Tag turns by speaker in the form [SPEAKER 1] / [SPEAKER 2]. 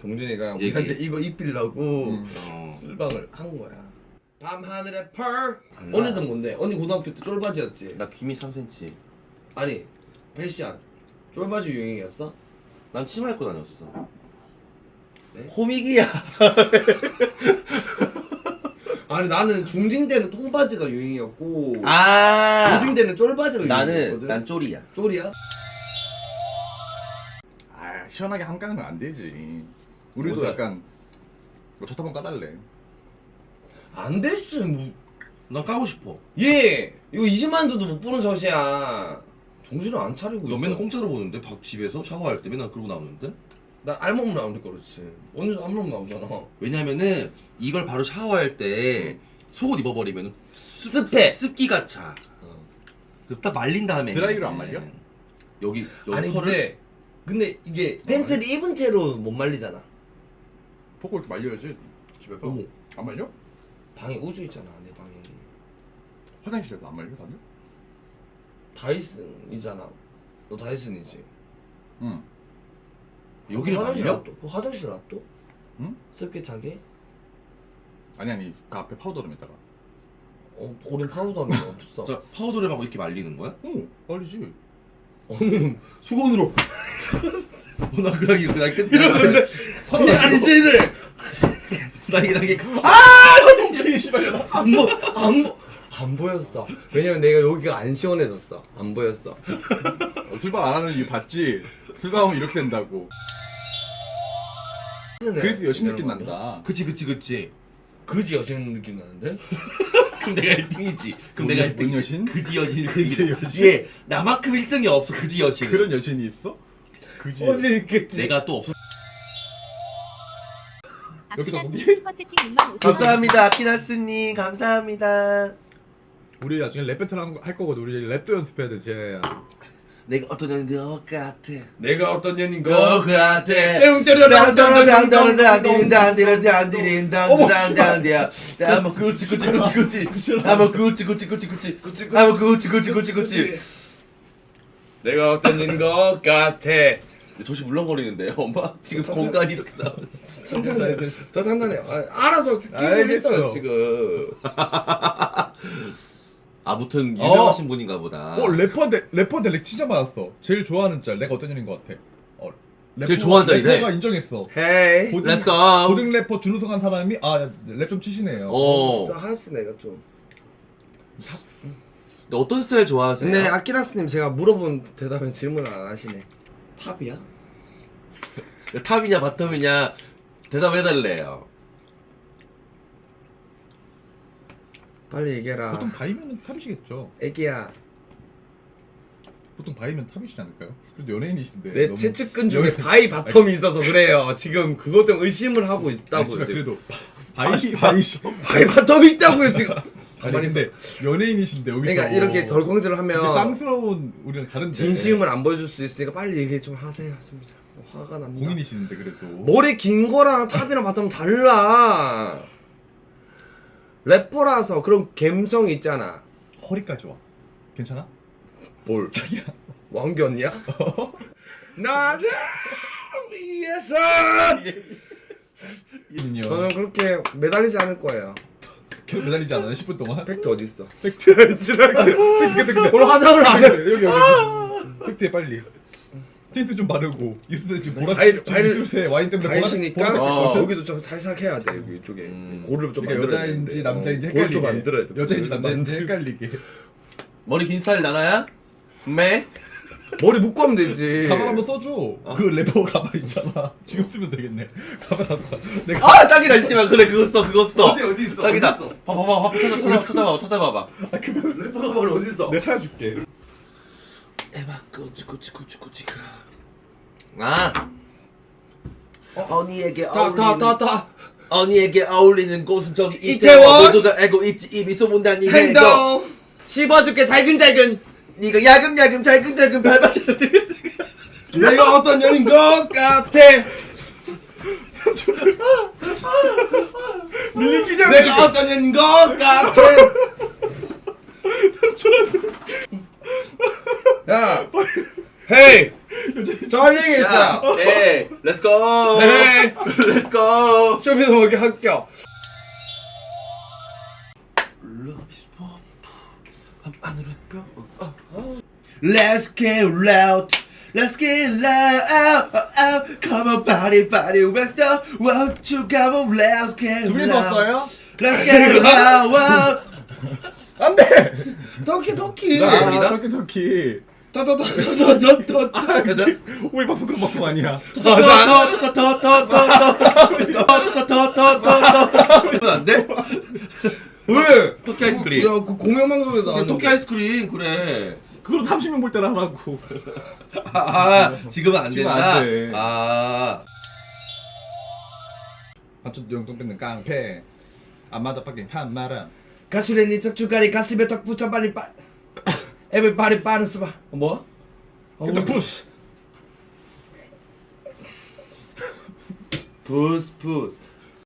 [SPEAKER 1] 동준이가
[SPEAKER 2] 얘기.
[SPEAKER 1] 우리한테 이거 입히려고 술방을 한 거야. 밤하늘의 펄. 언니는 뭔데? 언니 고등학교 때 쫄바지였지?
[SPEAKER 2] 나 김이 3cm.
[SPEAKER 1] 아니 패션 쫄바지 유행이었어?
[SPEAKER 2] 난 치마 입고 다녔어.
[SPEAKER 1] 네?
[SPEAKER 2] 코믹이야.
[SPEAKER 1] 아니 나는 중딩 때는 통바지가 유행이었고
[SPEAKER 2] 아.
[SPEAKER 1] 고딩 때는 쫄바지가
[SPEAKER 2] 나는
[SPEAKER 1] 유행이었거든.
[SPEAKER 2] 난 쪼리야.
[SPEAKER 1] 쫄이야?
[SPEAKER 3] 아 시원하게 한가는 안 되지. 우리도
[SPEAKER 1] 어제-
[SPEAKER 3] 약간 첫 한번 까달래.
[SPEAKER 1] 안 됐어 뭐.
[SPEAKER 2] 난 까고 싶어.
[SPEAKER 1] 얘 이거 20만 주도 못 보는 젖이야. 정신을 안 차리고
[SPEAKER 2] 너
[SPEAKER 1] 있어.
[SPEAKER 2] 맨날 공짜로 보는데 밥 집에서 샤워할 때 맨날 그러고 나오는데?
[SPEAKER 1] 나 알몸 나오니까 그렇지. 언니도 알몸 나오잖아.
[SPEAKER 2] 왜냐면은 이걸 바로 샤워할 때 속옷 입어버리면
[SPEAKER 1] 습해.
[SPEAKER 2] 습기가 차. 딱 말린 다음에
[SPEAKER 3] 드라이로 안 말려?
[SPEAKER 2] 여기
[SPEAKER 1] 아니
[SPEAKER 2] 털을
[SPEAKER 1] 근데 이게 팬티를 입은 채로 못 말리잖아.
[SPEAKER 3] 포크 이렇게 말려야지 집에서.
[SPEAKER 1] 어머.
[SPEAKER 3] 안 말려?
[SPEAKER 1] 방에 우주 있잖아 내 방에.
[SPEAKER 3] 화장실에도 안 말려 다들?
[SPEAKER 1] 다이슨이잖아. 너 다이슨이지?
[SPEAKER 3] 응.
[SPEAKER 2] 여기를
[SPEAKER 1] 화장실
[SPEAKER 2] 말려?
[SPEAKER 1] 놔둬. 그 화장실 놔둬?
[SPEAKER 3] 응?
[SPEAKER 1] 습게 차게?
[SPEAKER 3] 아니 그 앞에 파우더 좀 있다가.
[SPEAKER 1] 우린 파우더는 없어.
[SPEAKER 2] 자, 파우더를 하고 이렇게 말리는 거야?
[SPEAKER 3] 응 말리지.
[SPEAKER 1] 언니는 수건으로
[SPEAKER 2] 나 그냥 이렇게
[SPEAKER 1] 이러는데 언니 아니지를
[SPEAKER 2] 나 이게
[SPEAKER 3] 아 씨발.
[SPEAKER 1] 안 보였어. 왜냐면 내가 여기가 안 시원해졌어. 안 보였어.
[SPEAKER 3] 술방 안 하는 이유 봤지? 술방하면 이렇게 된다고. 그래서 여신 느낌 난다.
[SPEAKER 2] 그치.
[SPEAKER 1] 그지 여신 느낌 나는데?
[SPEAKER 2] 그럼 내가 1등이지. 그럼 내가 1등.
[SPEAKER 3] 뭔 여신?
[SPEAKER 2] 그지 여신.
[SPEAKER 3] 그지 여신?
[SPEAKER 2] 예, 나만큼 1등이 없어. 그지 여신.
[SPEAKER 3] 그런 여신이 있어? 그지.
[SPEAKER 1] 언제 있겠지?
[SPEAKER 2] 내가 또 없어.
[SPEAKER 3] 여기다
[SPEAKER 4] 아키나스님
[SPEAKER 3] 보기?
[SPEAKER 4] 슈퍼채팅 65,000원.
[SPEAKER 2] 감사합니다, 아키나스님. 감사합니다.
[SPEAKER 3] 우리 나중에 랩 배틀 할 거거든. 우리 랩도 연습해야 돼, 쟤야.
[SPEAKER 2] 내가 어떤 년인 것 같아.
[SPEAKER 1] 내가 어떤 년인
[SPEAKER 2] 것
[SPEAKER 1] 거?
[SPEAKER 2] 같아.
[SPEAKER 1] 내가 어떤 년인 것 같아.
[SPEAKER 2] 조시 물렁거리는데요, 엄마? 지금 공간이 이렇게 나왔어.
[SPEAKER 1] 탄탄해. 저 탄탄해. 알아서 끼고
[SPEAKER 3] 알겠어요.
[SPEAKER 1] 있어요 지금.
[SPEAKER 2] 아무튼 유명하신 분인가 보다.
[SPEAKER 3] 래퍼인데 렉 진짜 많았어. 제일 좋아하는 짤 내가 어떤 년인 것 같아.
[SPEAKER 2] 제일 좋아하는 짤이래?
[SPEAKER 3] 래퍼가 인정했어.
[SPEAKER 1] 헤이.
[SPEAKER 2] Let's go.
[SPEAKER 3] 고등 래퍼 준우승한 사람이 랩 좀 치시네요.
[SPEAKER 1] 진짜 하스 내가 좀.
[SPEAKER 2] 근데 어떤 스타일 좋아하세요?
[SPEAKER 1] 근데 아키라스님 제가 물어본 대답에 질문을 안 하시네. 탑이야?
[SPEAKER 2] 탑이냐 바텀이냐 대답해달래요.
[SPEAKER 1] 빨리 얘기해라.
[SPEAKER 3] 보통 바이면 탑이시겠죠.
[SPEAKER 1] 애기야.
[SPEAKER 3] 보통 바이면 탑이시지 않을까요? 그래도 연예인이신데.
[SPEAKER 1] 내
[SPEAKER 3] 너무
[SPEAKER 1] 채측근 중에
[SPEAKER 3] 연예인-
[SPEAKER 1] 바이 바텀이 있어서 그래요. 지금 그것 때문에 의심을 하고 있다고
[SPEAKER 3] 아니,
[SPEAKER 1] 지금.
[SPEAKER 3] 그래도 바이시.
[SPEAKER 1] 바이 바텀이 있다고요 지금.
[SPEAKER 3] 아니
[SPEAKER 1] 가만히 있어.
[SPEAKER 3] 근데 연예인이신데 여기서.
[SPEAKER 1] 그러니까 이렇게 덜컹질을 하면
[SPEAKER 3] 이게 쌍스러운 우리는 다른데.
[SPEAKER 1] 진심을 안 보여줄 수 있으니까 빨리 얘기 좀 하세요. 진짜 화가 난다.
[SPEAKER 3] 공인이시는데 그래도.
[SPEAKER 1] 머리 긴 거랑 탑이랑 바텀 달라. 래퍼라서 그런 감성이 있잖아.
[SPEAKER 3] 허리까지 와. 괜찮아?
[SPEAKER 1] 뭘?
[SPEAKER 3] 자기야.
[SPEAKER 1] 왕견이야? 나를 위해서. 저는 그렇게 매달리지 않을 거예요.
[SPEAKER 3] 계속 매달리지 않아요? 10분 동안?
[SPEAKER 1] 팩트 어디 있어?
[SPEAKER 3] 팩트 지랄게. 근데.
[SPEAKER 1] 오늘 화장을 안 해.
[SPEAKER 3] 여기. 팩트에 빨리. 틴트 좀 바르고 입술에 지금 보라.
[SPEAKER 1] 바이-
[SPEAKER 3] 지금 입술에 와인 때문에
[SPEAKER 1] 다이시니까
[SPEAKER 3] 보라.
[SPEAKER 1] 여기도 좀 살짝 해야 돼 여기 이쪽에 고를 좀
[SPEAKER 3] 그러니까
[SPEAKER 1] 만들어야
[SPEAKER 3] 여자인지
[SPEAKER 1] 되는데.
[SPEAKER 3] 남자인지
[SPEAKER 1] 고를
[SPEAKER 3] 헷갈리게.
[SPEAKER 1] 좀 만들어야 돼.
[SPEAKER 3] 여자인지 남자인지
[SPEAKER 1] 렌즈.
[SPEAKER 3] 헷갈리게.
[SPEAKER 2] 머리 긴 스타일 나나야? 매?
[SPEAKER 1] 머리 묶고 하면 되지.
[SPEAKER 3] 가발 한번 써줘. 그 래퍼 가발 있잖아. 지금 쓰면 되겠네. 가발 한번. 내가
[SPEAKER 2] 아 딱이다 씨발. 그래 그거 써.
[SPEAKER 1] 어디 있어?
[SPEAKER 2] 딱이다.
[SPEAKER 1] 어디 있어?
[SPEAKER 2] 봐봐 찾아봐봐.
[SPEAKER 1] 래퍼가 머리 어디 있어?
[SPEAKER 3] 내가 찾아줄게.
[SPEAKER 2] 에바 꾸치. 아. 언니에게 어울리는
[SPEAKER 1] 다.
[SPEAKER 2] 언니에게 어울리는 곳은 저기
[SPEAKER 1] 이태원!
[SPEAKER 2] 이태원. 모두가 알고 있지 이미 소문난 이 행동.
[SPEAKER 1] 행동. 씹어줄게 잘근잘근.
[SPEAKER 2] 네가 야금야금 잘근잘근 밟아줘야 돼.
[SPEAKER 1] 내가 어떤 년인 것 같아.
[SPEAKER 3] 밀리기냐?
[SPEAKER 1] 내가 어떤 년인 것 같아. 야, 헤이. 저 할 얘기 있어요.
[SPEAKER 2] 네. 렛츠고.
[SPEAKER 1] 네.
[SPEAKER 2] 렛츠고.
[SPEAKER 1] 쇼미더머니 합격.
[SPEAKER 2] Love is war. 밤하늘의 별. Let's get loud. Let's get loud. Come on, party, party. Let's go. Won't you come on? Let's get
[SPEAKER 3] 둘이
[SPEAKER 2] loud.
[SPEAKER 3] 썼어요?
[SPEAKER 2] Let's get loud.
[SPEAKER 3] 안돼.
[SPEAKER 1] 터키.
[SPEAKER 2] 나 모릅니다.
[SPEAKER 3] 터키.
[SPEAKER 1] 터터터터터터터.
[SPEAKER 3] 우리 방송 그런 방송 아니야.
[SPEAKER 2] 안 돼?
[SPEAKER 1] 왜?
[SPEAKER 2] 토끼 아이스크림.
[SPEAKER 1] 야, 그 공영방송에 나왔는데.
[SPEAKER 2] 토끼 아이스크림 그래.
[SPEAKER 3] 그럼 30명 볼 때는 하라고.
[SPEAKER 2] 지금은 안
[SPEAKER 3] 지금은
[SPEAKER 2] 된다.
[SPEAKER 3] 안 돼. 한쪽 영동 뺏는 깡패. 안마다 밖에 판마람.
[SPEAKER 1] 가수레니 턱주가리 가슴에 턱 붙여 빨리 빠. 에브리바디 빠르스 봐. 뭐?
[SPEAKER 3] 일단 푸스.
[SPEAKER 1] 부스 부스.